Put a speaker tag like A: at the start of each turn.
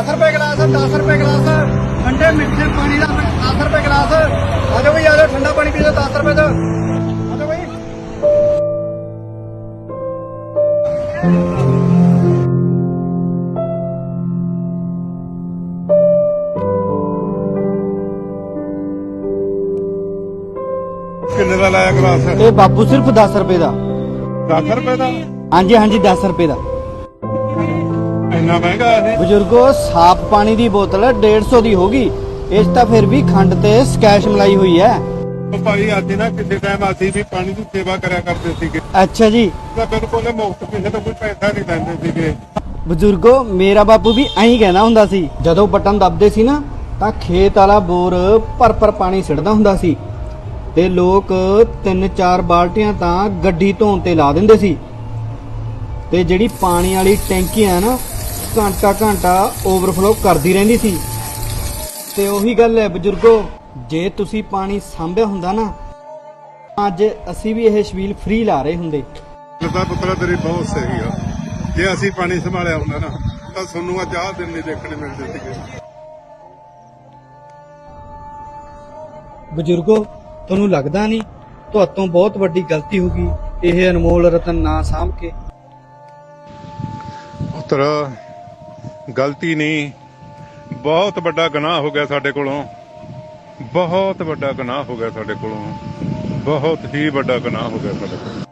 A: रुपए गिलास है, 10 रुपए गिलास है। ठंडे मीठे पानी का 10 रुपए गिलास है। आ जाओ भाई, आ जाओ, ठंडा पानी पी लो 10 रुपए का। आ जाओ भाई।
B: किन्ने दा लाया गिलास?
A: ਇਹ ਬਾਪੂ ਸਿਰਫ 10 ਰੁਪਏ ਦਾ।
B: 10 रुपए ਦਾ?
A: ਹਾਂਜੀ ਹਾਂਜੀ 10 ਰੁਪਏ ਦਾ।
B: ਇੰਨਾ ਮਹਿੰਗਾ ਇਹ?
A: ਬਜ਼ੁਰਗੋ, ਸਾਫ਼ ਪਾਣੀ ਦੀ ਬੋਤਲ 150 ਦੀ ਹੋਗੀ। ਇਸ ਤਾਂ ਫਿਰ ਵੀ ਖੰਡ ਤੇ ਸਕੈਸ਼ ਮਲਾਈ ਹੋਈ ਹੈ।
B: ਉਹ ਭਾਈ ਅੱਜ ਨਾ ਕਿਸੇ ਟਾਈਮ ਅਸੀਂ ਵੀ ਪਾਣੀ ਦੀ ਸੇਵਾ ਕਰਿਆ ਕਰਦੇ ਸੀਗੇ
A: ਅੱਛਾ ਜੀ।
B: ਤਾਂ ਬਿਲਕੁਲ ਮੁਫਤ, ਕਿਸੇ ਤੋਂ ਕੋਈ ਪੈਸਾ ਨਹੀਂ ਲੈਂਦੇ ਸੀਗੇ।
A: ਬਜ਼ੁਰਗੋ, ਮੇਰਾ ਬਾਪੂ ਵੀ ਐਂ ਕਹਿੰਦਾ ਹੁੰਦਾ ਸੀ। ਜਦੋਂ ਬਟਨ ਦੱਬਦੇ ਸੀ ਨਾ ਤਾਂ ਖੇਤ ਵਾਲਾ ਬੋਰ ਭਰ ਪਾਣੀ ਸਿੱਟਦਾ ਹੁੰਦਾ ਸੀ ਤੇ ਲੋਕ 3-4 ਬਾਲਟੀਆਂ ਤਾਂ ਗੱਡੀ ਧੋਣ ਤੇ ਲਾ ਦਿੰਦੇ ਸੀ ਤੇ ਜਿਹੜੀ ਪਾਣੀ ਵਾਲੀ ਟੈਂਕੀ ਆ ਨਾ, ਘੰਟਾ ਓਵਰਫਲੋ ਕਰਦੀ ਰਹਿੰਦੀ ਸੀ। ਤੇ ਉਹੀ ਗੱਲ ਹੈ ਬਜ਼ੁਰਗੋ, ਜੇ ਤੁਸੀਂ ਪਾਣੀ ਸਾਂਭਿਆ ਹੁੰਦਾ ਨਾ, ਅੱਜ ਅਸੀਂ ਵੀ ਇਹ ਛਬੀਲ ਫ੍ਰੀ ਲਾ ਰਹੇ ਹੁੰਦੇ।
B: ਲੱਦਾ ਪੁੱਤਰਾ ਤੇਰੀ ਬਹੁਤ ਸਹੀ ਆ। ਜੇ ਅਸੀਂ ਪਾਣੀ ਸੰਭਾਲਿਆ ਹੁੰਦਾ ਨਾ ਤਾਂ ਤੁਹਾਨੂੰ ਅੱਜ ਆਹ ਦਿਨ ਨਹੀਂ ਦੇਖਣੇ ਮਿਲਦੇ ਸੀਗੇ।
A: ਬਜ਼ੁਰਗੋ, ਤੁਹਾਨੂੰ ਲੱਗਦਾ ਨਹੀਂ ਤੁਹਾਤੋਂ ਬਹੁਤ ਵੱਡੀ ਗਲਤੀ ਹੋ ਗਈ ਇਹ ਅਨਮੋਲ ਰਤਨ ਨਾ ਸਾਂਭ ਕੇ?
B: ਪੁੱਤਰ, ਗਲਤੀ ਨਹੀਂ, ਬਹੁਤ ਵੱਡਾ ਗੁਨਾਹ ਹੋ ਗਿਆ ਸਾਡੇ ਕੋਲੋਂ। ਬਹੁਤ ਵੱਡਾ ਗੁਨਾਹ ਹੋ ਗਿਆ ਸਾਡੇ ਕੋਲੋਂ। ਬਹੁਤ ਹੀ ਵੱਡਾ ਗੁਨਾਹ ਹੋ ਗਿਆ ਸਾਡੇ ਕੋਲੋਂ।